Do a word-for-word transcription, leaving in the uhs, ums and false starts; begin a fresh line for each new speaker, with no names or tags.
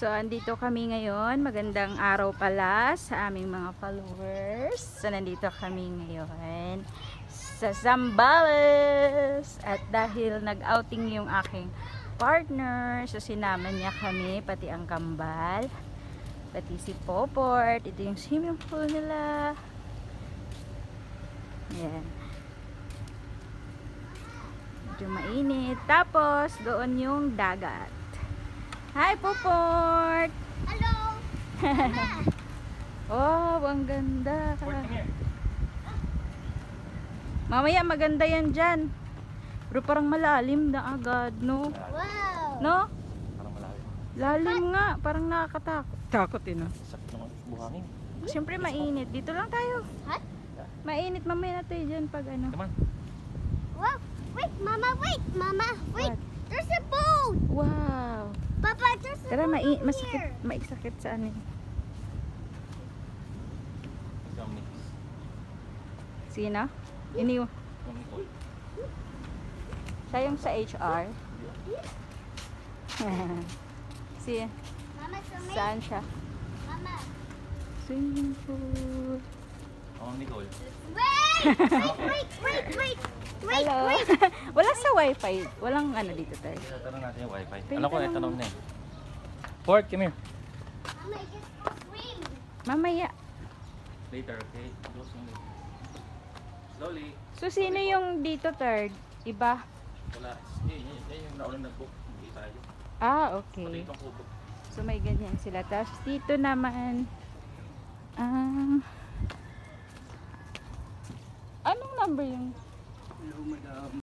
So, andito kami ngayon. Magandang araw pala sa aming mga followers. So, nandito kami ngayon sa Zambales. At dahil nag-outing yung aking partner, so sinama niya kami, pati ang kambal, pati si Poport. Ito yung swimming pool nila. Ayan. Medyo mainit. Tapos, doon yung dagat. Hi, Poport!
Hello!
Oh, ang ganda. Mamaya maganda yan dyan. Pero parang malalim na agad, no?
Wow!
No?
Parang malalim.
Lalim nga. Parang nakakatakot. Takot eh, no?
Sakit naman buhangin.
Siyempre mainit. Dito lang tayo.
Hot?
Mainit. Mamaya na tayo dyan pag ano.
Naman.
Wow! Wait, Mama, wait! Mama, wait!
What?
There's a boat!
Wow.
Papa, there's a
Tara,
boat
mai
over
masakit.
here.
Maisakit sa ano. eh.
Isang mix.
Sino? Iniw.
Yung Nicole.
Siya yung sa H R. si,
Mama, swimming?
saan siya?
Mama.
Swimming pool.
Oh, Nicole.
Wait! Wait, wait, wait, wait! Wait,
Hello.
wait!
Wala sa wifi. Walang ano dito tayo.
Tanong natin yung wifi.
Pwede
Alam ko,
ka
eh,
lang-
tanong na eh. Port, come here.
Mama, I just go swim.
Mamaya.
Later, okay? Go slowly. Slowly.
So, sino yung dito third? Iba?
Wala. Eh, yan, yan yung naunang nag-book. Hindi tayo.
Ah,
Pati
okay.
itong kubo.
So, may ganyan sila. Tapos, dito naman, ah, anong number yung?
Hello, madam.